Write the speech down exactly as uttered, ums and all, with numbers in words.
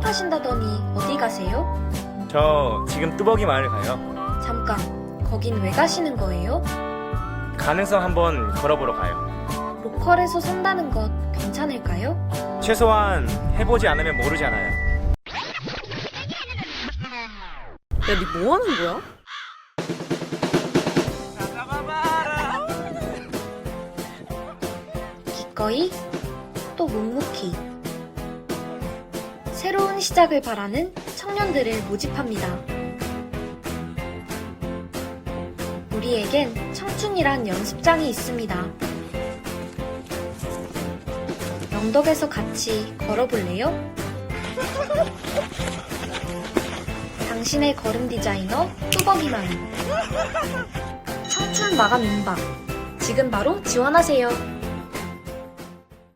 출발하신다더니 어디 가세요? 저 지금 뚜벅이 마을 가요. 잠깐, 거긴 왜 가시는 거예요? 가능성 한번 걸어보러 가요. 로컬에서 산다는 것 괜찮을까요? 최소한 해보지 않으면 모르잖아요. 야, 니 뭐 하는 거야? 기꺼이 또 묵묵히 새로운 시작을 바라는 청년들을 모집합니다. 우리에겐 청춘이란 연습장이 있습니다. 영덕에서 같이 걸어볼래요? 당신의 걸음 디자이너 뚜벅이맘 청춘 마감 임박 지금 바로 지원하세요.